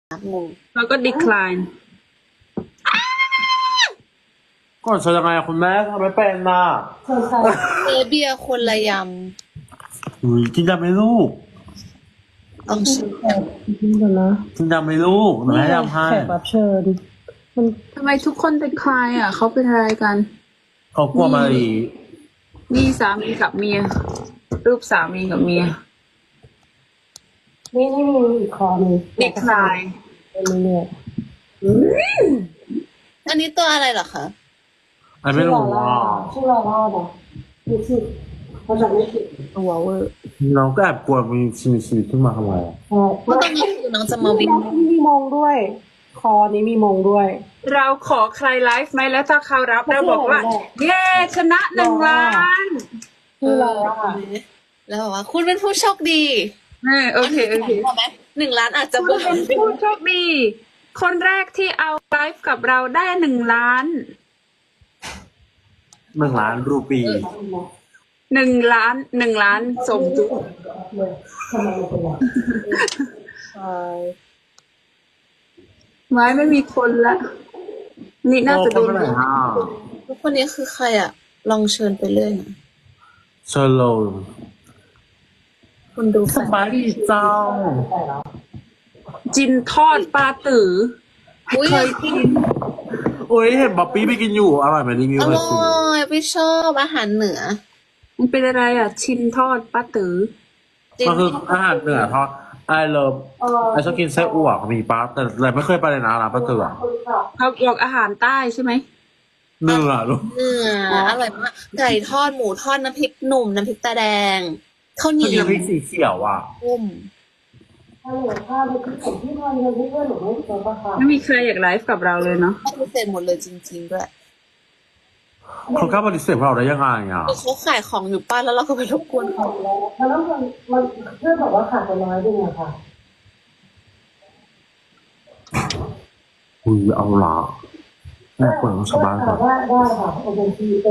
งงแล้วก็ decline ก่อนเชิญยังไงอะคุณแม่ทำไม่เป็นน่ะเเบียร์คนละยอุ้ยกินยำไหมลูกำต้องชิมนี่ก่อนนะกินยำไหมลูกหนูให้ยำให้แขกรับเชิญมันทำไมทุกคน decline อ่ะเขาเป็นอะไรกันเขากลัวมารีนี่สามีกับเมีย รูปสามีกับเมียนี่มีอีกคอหนึง decline เป็นเรื่อยอันนี้ตัวอะไรเหรอคะอันไม่รู้ว่าชื่อลาล่านะนี่คือเขาจะไม่ผิดตัวเวอร์น้องก็แอบกลัวมีชีวิตขึ้นมาทำไมอะใช่เมื่อตอนนี้คือน้องจะมาวิ่งมีมงด้วย คอนี้มีมงด้วยเราขอใครไลฟ์ไหมแล้วถ้าเขารับเราบอกว่า เย้ชนะ1 ล้านชื่อลาล่าแล้วบอกว่าคุณเป็นผู้โชคดีโอเคพอไหม1 ล้านอาจจะคุเบิ่ณเป็นผู้โชคดี คนแรกที่เอาไลฟ์กับเราได้1 ล้าน 1 ล้านรูปี 1 ล้านส่งจุ๊บทำไมมันเป็นแบบใช่ไม้ไม่มีคนละ นี่น่าจะโดนโอ้คนไหนอ่ะทุกคนนี้คือใครอะลองเชิญไปเรื่อยนะเชิญเลยคุณดูสบายดีเจ้าจินทอดปลาตืออุ้ยเคยกินโอ้ยเห็นบ๊อบปี้ไปกินอยู่อร่อยไหมรีวิวอเลยร่สิอยพี่ชอบอาหารเหนือมันเป็นอะไรอ่ะ ชินทอดปลาตือจริงมันคืออาหารเหนือทอดไอเลิฟไอชอบกินไส้อั่วเขามีป้าแต่เลยไม่เคยไปเลยนะร้านป้าเตือเขาบอกอาหารใต้ใช่ไหมเนื้อลูกเหนืออร่อยมากไก่ทอดหมูทอดน้ำพริกหนุ่มน้ำพริกตาแดงข้าวเหนีมันมียวพริกสีเขียวอ่ะต้มถ้าเหลือข้าวในที่ผมที่ทำเงินที่เพื่อนหนูไม่เจอปะคะไม่มีใครอยากไลฟ์กับเราเลยเนาะปฏิเสธหมดเลยจริงๆด้วยเขากล้าปฏิเสธเราได้ยังไงอ่ะคือเขาขายของอยู่ป้านแล้วเราก็ไปรบกวนเขาแล้วมันเพื่อนบอกว่าขาดไปน้อยด้วยอะค่ะอุ้ยเอาละแม่ควรต้องชาวบ้านก่อนได้ค่ะโอเคเป็น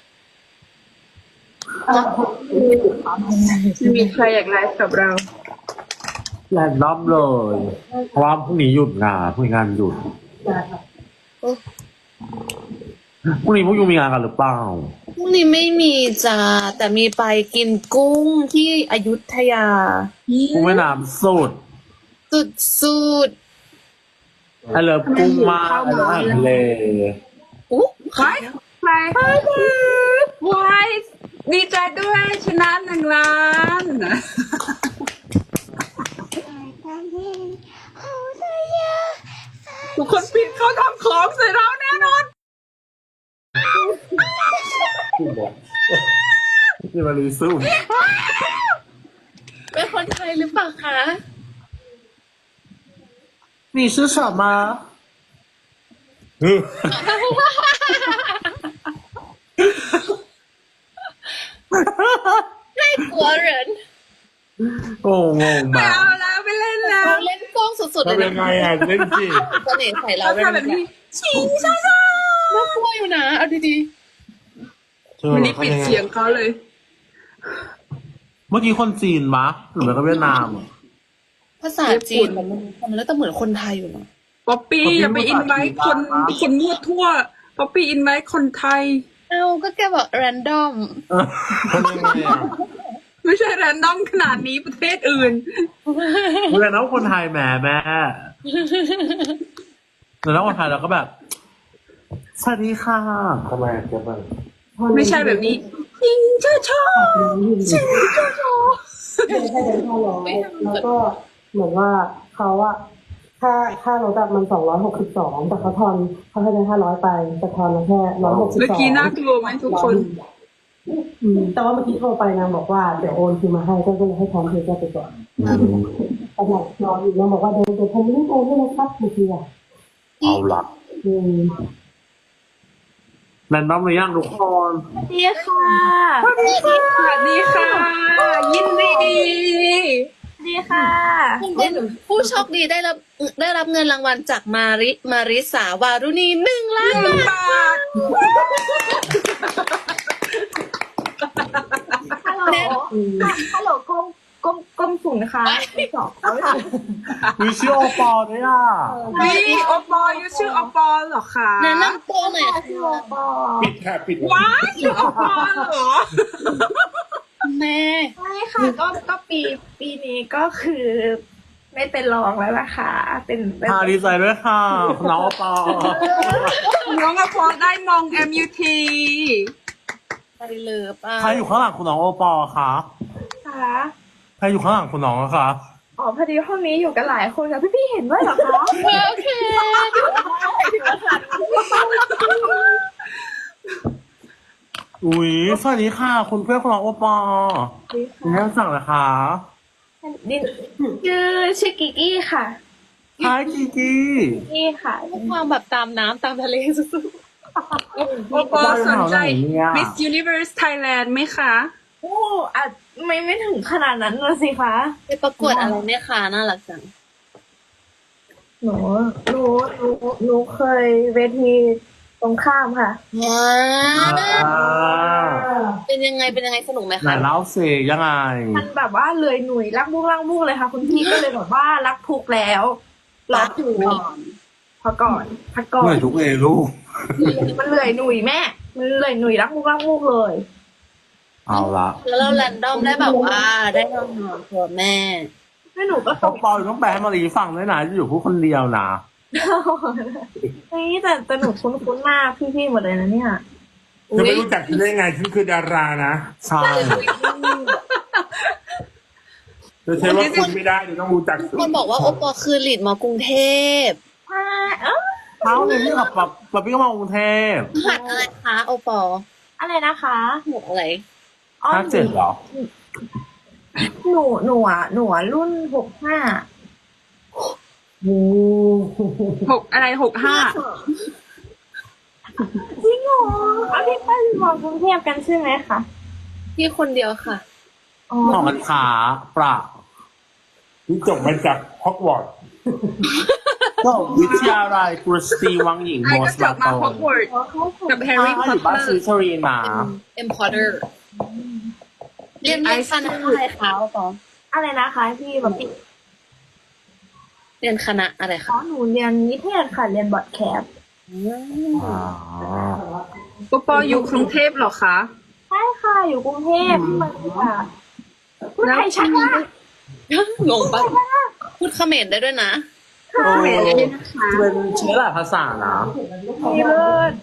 ไม่มีใครอยากไลฟ์กับเราแรนดอมเลย เพราะว่าพรุ่งนี้หยุดงานพรุ่งนี้งานหยุดโอ้พรุ่งนี้พวกยูมีงานกันหรือเปล่าพรุ่งนี้ไม่มีจ้าแต่มีไปกินกุ้งที่อยุธยากุ้งแม่น้ำสุดสุดไอเลิฟกุ้งมากไอเลิฟอาหารทะเลๆอุ๊ใครใครวายดีใจด้วยชนะ1 ล้าน ทุกคนปิดเขาทำของใส่เราแน่นอนนี่มารีซูเป็นคนไทยหรือเปล่าคะมีชื่อฉามาไม่กลัวเหรนโอ้งงไม่มากเอาแล้วไม่เล่นแล้วเราเล่นกล้องสุดๆเลยทำยันะงไงอ่ะเล่นสิเสน่ห์ใส่เราเราด้วยทำแบบนี้ชิงช้าน่ากลัวอยู่นะเอาดีๆวันนี้ปิดเสียงเขาเลยเมื่อกี้คนจีนมะหรือไม่ก็เวียดนามอะๆภาษาจีนมันแล้วแต่เหมือนคนไทยอยู่นะป๊อปปี้อย่าไปอินไว้คนมั่วทั่ว ป๊อปปี้อินไว้คนไทยเอาก็แกบอก random ทำยังไงอ่ะไม่ใช่แรนดอมขนาดนี้ประเทศอื่นเวลาน้องคนไทยแหมแม่แต่น้องคนไทยเราก็แบบสวัสดีค่ะทำไมเจ๊บ้างไม่ใช่แบบนี้ชิงช้าช้าชิงช้าช้าให้เดิน500แล้วก็เหมือนว่าเขาอะค่ารถอะมัน262แต่เขาให้ได้500ไปแต่ทอนมาแค่162 เมื่อกี้น่ากลัวไหมทุกคนแต่ว่าเมื่อกี้โทรไปนางบอกว่าเดี๋ยวโอนคืนมาให้ก็เลยให้พร้อมเพย์แค่ไปก่อนแต่นางรออยู่นางบอกว่าเดี๋ยวผมรีบโอนให้นะครับเมื่อกี้อะเอาละอืมแรนดอมหรือยังทุกคนสวัสดีค่ะสวัสดีค่ะ ยินดีดีค่ะคุณเป็นผู้โชคดีได้รับเงินรางวัลจากมาริสาวารุณี1 ล้านบาทบาทแน่ฮัลโหลกงก้มสูงนะคะสองมีชื่อโอปอล์ด้วยอ่ะนี่โอปอยูชื่อโอปอเหรอคะแนะนำตัวหน่อยค่ะปิดค่ะปิดว้ายชื่อโอปอเหรอแม่ใช่ค่ะก็ปีนี้ก็คือไม่เป็นรองแล้วนะคะเป็นค่ะดีใจด้วยค่ะน้องโอปอล์น้องโอปอได้มอง MUT ไปเลยป่ะใครอยู่ข้างหลังคุณน้องโอปอล์คะค่ะใครอยู่ข้างหลังคุณน้องอะคะอ๋อพอดีห้องนี้อยู่กันหลายคนค่ะพี่เห็นด้วยเหรอคะโอเคอุ๊ยสวัสดีค่ะ คุณเพื่อนคุณน้องโอปอล์แนะนำสั่งเลยค่ะชื่อกิกกี้ค่ะฮายกีกี้นี่ค่ะความแบบตามน้ำตามทะเลสุดโอปอสนใจ Miss Universe Thailand ไหมคะโอ้อาจไม่ถึงขนาดนั้นเลยสิคะๆไปประกวดอะไรเนี่ยค่ะน่ารักจังหนูเคยเวทีตรงข้ามค่ะว้าอ่าเป็นยังไงสนุกไหมไหนคะเล่าสิยังไงมันแบบว่าเลยหนุ่ยรักมุกเลยค่ะ คุณพี่ก็เลยแบบว่ารักทุกแล้วรักถูกพักก่อนเหนื่อยทุกเอลูกมันเลยหนุ่ยแม่มันเลยหนุ่ยรักมุกเลยเอาละแล้วเราแรนดอมได้แบบว่าได้นอนตัวแม่ให้หนูก็โอปอล์ต้องแปลให้มารีฟังด้วยนะอยู่พูดคนเดียวนะนี่แต่หนูคุ้นหน้าพี่หมดเลยนะเนี่ยจะไม่รู้จักฉันได้ไงฉันคือดารานะใช่จะใช้ว่าคุณไม่ได้เดี๋ยวต้องรู้จักคนบอกว่าโอปอคือลีดมากรุงเทพใช่เออเขาเนี่ยพี่กับป๊าพี่ก็มากรุงเทพหัดอะไรคะโอปออะไรนะคะหมวกอะไรอ๋อ 57เหรอหนูอ่ะรุ่น65 อะไร65จริงเหรอเอาพี่ไปมอกรุงเทพกันใช่ไหมคะพี่คนเดียวค่ะอ๋อของมันขาปราที่จบมาจากฮอกวอตส์ก็วิทยาลัยกรุสตีวังหญิงไอ้โมก็สจลาบโตมาฮอกวอตส์กับแฮร์รี่พออตยู่เตบ้านอซีร์ซารีนา Importer เรียนคณะอะไรคะโอปออะไรนะคะพี่แบบปิดเรียนคณะอะไรอ๋คะอหนูเรียนนิเทศค่ะเรียนบอดแคสต์อ๋อปปอยู่กรุงเทพหรอคะใช่ค่ะอยู่กรุงเทพพี่มาค่ะพูดไทยชัดมากงงปะพูดเขมรได้ด้วยนะโอ้เป็นเชื้อหลายภาษานะดีเลิศ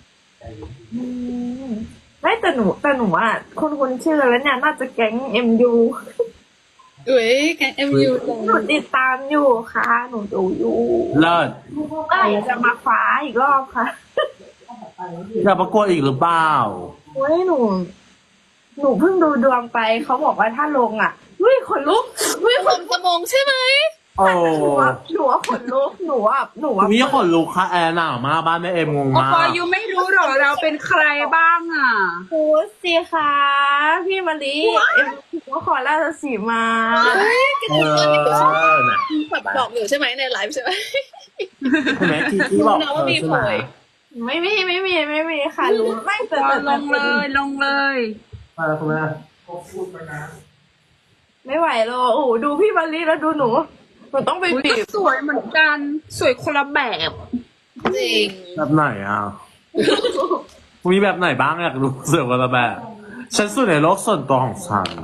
ไม่แต่หนูอ่ะคนชื่อแล้วเนี่ยน่าจะแก๊ง MU เอ้ยแกง MU จังหนูติดตามอยู่ค่ะ หนูดูอยู่เลิศก็อยากจะมาคว้าอีกรอบค่ะอยากประกวดอีกหรือเปล่าเฮ้ยหนูเพิ่งดูดวงไปเขาบอกว่าถ้าลงอ่ะเฮ้ยขนลุกวิผมสมองใช่ไหมโอ้หนูว่าขนลุกหนูว่ามีคนลูกค่ะแอร์หนาวมากบ้านแม่เอ็มงงโอมาปอก ยูไม่รู้หรอเราเป็นใครบ้างอ่ะโอ้สิคะพี่มะลิหัวขอราชสีมาเออน่ะแบบบอกอยู่ใช่ไหมในไลฟ์ใช่ไหมคุณแม่ที่บอกนะว่ามีใช่โผไหมยไม่มีค่ะรู้ไม่แต่ลงเลยคุณแม่ไม่ไหวหรอกโอ้โหดูพี่มะลิแล้วดูหนูต้องไปอุ๊ยบีบสวยเหมือนกัน สวยคนละแบบจริงแบบไหนอ่ะ มีแบบไหนบ้างอยากรู้เสือกว่าแบบฉันสุดในโลกส่วนตัวของฉัน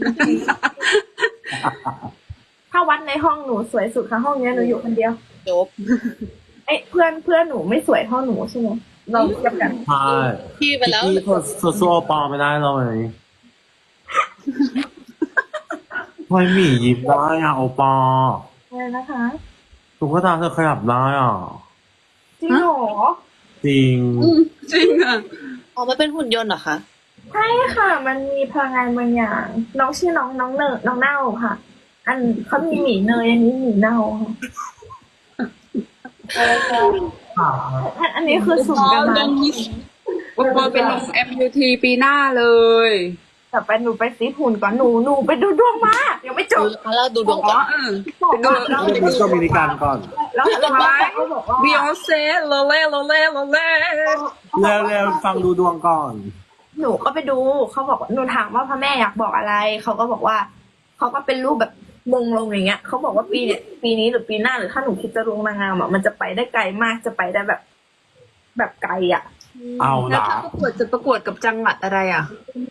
ถ้าวัดในห้องหนูสวยสุดค่ะห้องเนี้ยหนูอยู่คนเดียวจบเอ้ยเพื่อนหนูไม่สวยเท่าหนูใช่ไหมเราเทียบกันใช่พี่ไปแล้วที่ตัวสู้โอปอไม่ได้เลยไม่หมียิ้มได้อ่ะโอปออะไรนะคะตุ๊กตาเธอขยับได้อ่ะจริงเหรอจริงจริงอ่ะอ๋อมันเป็นหุ่นยนต์เหรอคะใช่ค่ะ มันมีพลังงานบางอย่าง น้องชื่อน้องเนยน้องเน่าค่ะ อันเขามีหมีเนยอันนี้หมีเน่าค่ะอันนี้คือสุ่มกันมาโอปอเป็นลง MUT ปีหน้าเลยแต่ไปหนูไปซีหุ่นก่อนหนูไปดูดวงมายังไม่จบเราดูดวงอ๋ก่ออนไปดูเดี๋ยวมิสโดมินิกันก่อนแล้วเขาบอกว่าบิออนเซ่โลเล่เร็วๆฟังดูดวงก่อนหนูก็ไปดูเขาบอกว่าหนูถามว่าพระแม่อยากบอกอะไรเขาก็บอกว่าเขาก็เป็นรูปแบบมงลงอย่างเงี้ยเขาบอกว่าปีนี้หรือปีหน้าหรือถ้าหนูคิดจะลงนางงามอ่ะมันจะไปได้ไกลมากจะไปได้แบบไกลอ่ะเอาแล้วละถ้าประกวดจะประกวดกับจังหวัดอะไรอ่ะ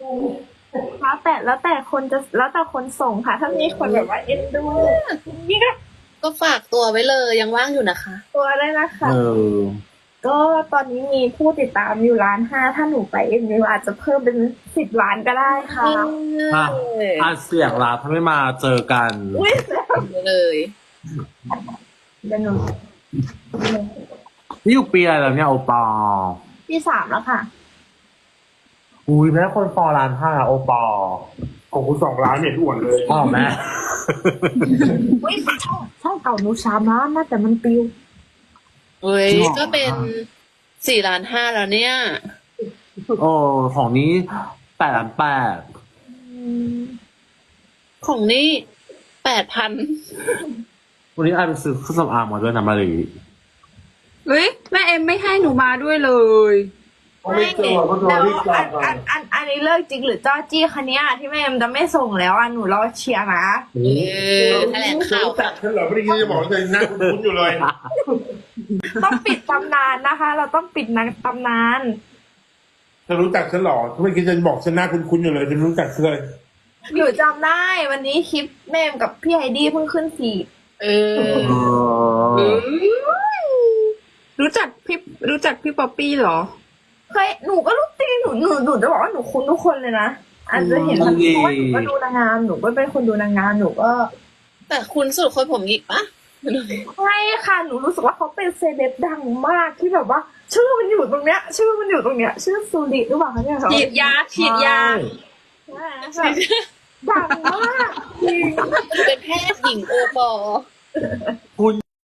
แล้วแต่คนจะแล้วแต่คนส่งค่ะ ถ้ามีคนแบบว่าเอ็นดูนี่ก็ก็ฝากตัวไว้เลยยังว่างอยู่นะคะตัวได้นะคะเออก็ตอนนี้มีผู้ติดตามอยู่1,500,000ถ้าหนูไปเอ็มยูอาจจะเพิ่มเป็น10 ล้านก็ได้ค่ะอ่ะอาเสียงลาถ้าไม่มาเจอกันอุ้ยเลยเดี๋ยวหนูนี่อยู่ปีอะไรแล้วเนี่ยโอปอที่3แล้วค่ะอุ้ยแม่คนฟอร้านห้าโอปอของคุณ2 ล้านเนี่ยอ้วนเลยอ๋อแม่อุ้ยใช่เก่าหนู3 ล้านนะแต่มันปิวเฮ้ยก็เป็น4,500,000แล้วเนี่ยโอ้ของนี้8,800,000 ของนี่8,000 วันนี้ไอไปซื้อเครื่องสำอางมาด้วยนะมารีเฮ้ยแม่เอ็มไม่ให้หนูมาด้วยเลยไม่เจอก็โดนแล้วรีบกลับก่อนอันนี้เลิกจริงหรือจ้อจี้คันนี้ยที่แม่เอ็มจะไม่ส่งแล้วอ่ะหนูรอเชียร์นะแถลงข่าวรู้จักฉันเหรอไม่ได้ยินจะบอกเลยหน้าคุ้นๆอยู่เลยต้องปิดตำนานนะคะ เราต้องปิดตำนานเธอรู้จักฉันเหรอไม่คิดจะบอกฉันหน้าคุ้นๆอยู่เลยฉันรู้จักเธอเลยหนูจำได้วันนี้คลิปแม่เอ็มกับพี่ไฮดี้เพิ่งขึ้นฟีดเออรู้จักพี่ป๊อปปี้เหรอหนูก็รู้จริงหนูจะบอกว่าหนูคุ้นทุกคนเลยนะอาจจะเห็นมันเพราะว่าหนูก็ดูนางงามหนูก็เป็นคนดูนางงามหนูก็แต่คุณสุดคนผมหยิกปะใช่ค่ะหนูรู้สึกว่าเขาเป็นเซเลบดังมากที่แบบว่า ชื่อมันอยู่ตรงเนี้ย ชื่อสุริหรือเปล่าคะเนี่ยฉีดยาใช่แบบดังมากจริงเป็นแพทย์หญิงโอปอคุณ